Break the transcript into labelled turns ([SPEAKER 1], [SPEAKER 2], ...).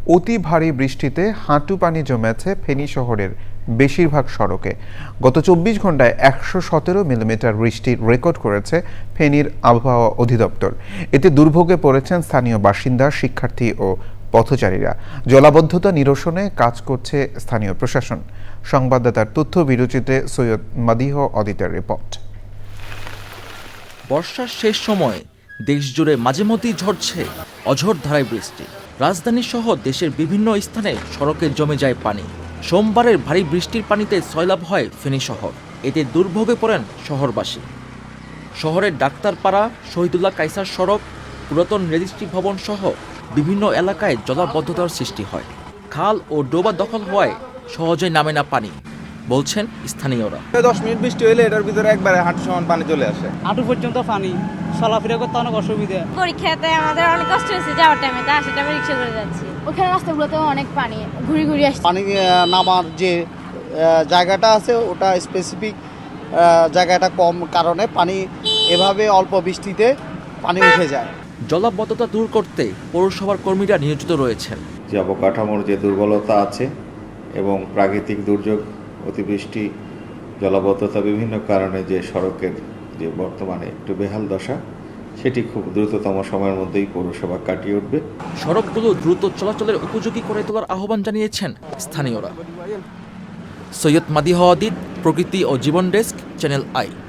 [SPEAKER 1] অতি ভারী বৃষ্টিতে হাঁটু পানি জমেছে ফেনী শহরের বেশিরভাগ সড়কে। গত ২৪ ঘন্টায় ১১৭ মিলিমিটার বৃষ্টি রেকর্ড করেছে ফেনীর আবহাওয়া অধিদপ্তর। এতে দুর্ভোগে পড়েছেন স্থানীয় বাসিন্দা, শিক্ষার্থী ও পথচারীরা। জলাবদ্ধতা নিরসনে কাজ করছে স্থানীয় প্রশাসন। সংবাদদাতার তথ্য বিরোচিতে সৈয়দ মাদিহ অদিতের রিপোর্ট।
[SPEAKER 2] বর্ষার শেষ সময়ে দেশজুড়ে মাঝে মধ্যেই ঝরছে অঝোর ধারায় বৃষ্টি। রাজধানী সহ দেশের বিভিন্ন স্থানে সড়কে জমে যায় পানি। সোমবারের ভারী বৃষ্টির পানিতে সয়লাব হয় ফেনী শহর। এতে দুর্ভোগে পড়েন শহরবাসী। শহরের ডাক্তারপাড়া, শহীদুল্লাহ কায়সার সড়ক, পুরাতন রেজিস্ট্রি ভবন সহ বিভিন্ন এলাকায় জলাবদ্ধতার সৃষ্টি হয়। খাল ও ডোবা দখল হওয়ায় সহজে নামে না পানি, বলছেন স্থানীয়রা।
[SPEAKER 3] 10 মিনিট বৃষ্টি হইলে এটার ভিতরে একবারে হাঁটু সমান পানি চলে আসে।
[SPEAKER 4] হাঁটু পর্যন্ত পানি, চলাফেরা করতে অনেক অসুবিধা।
[SPEAKER 5] পরীক্ষাতে আমাদের অনেক কষ্ট হয়েছে যাওয়ার টাইমে, তা আসার টাইমে রিক্সা করে যাচ্ছি। ওখানে রাস্তাগুলোতেও অনেক পানি, ঘুরে ঘুরে আসছে।
[SPEAKER 6] পানি নামার যে জায়গাটা আছে ওটা স্পেসিফিক জায়গাটা কম কারণে পানি এভাবে অল্প বৃষ্টিতে পানি উঠে যায়।
[SPEAKER 2] জলাবদ্ধতা দূর করতে পৌরসভার কর্মীরা নিয়োজিত রয়েছেন।
[SPEAKER 7] যে অবকাঠামোর যে দুর্বলতা আছে এবং প্রাকৃতিক দুর্যোগ, অতিবৃষ্টি, জলাবদ্ধতা বিভিন্ন কারণে যে সড়কের যে বর্তমানে একটু বেহাল দশা, সেটি খুব দ্রুততম সময়ের মধ্যেই পৌরসভা কাটিয়ে উঠবে।
[SPEAKER 2] সড়কগুলো দ্রুত চলাচলের উপযোগী করে তোলার আহ্বান জানিয়েছেন স্থানীয়রা। সৈয়দ মাদিহ অদিত, প্রকৃতি ও জীবন ডেস্ক, চ্যানেল আই।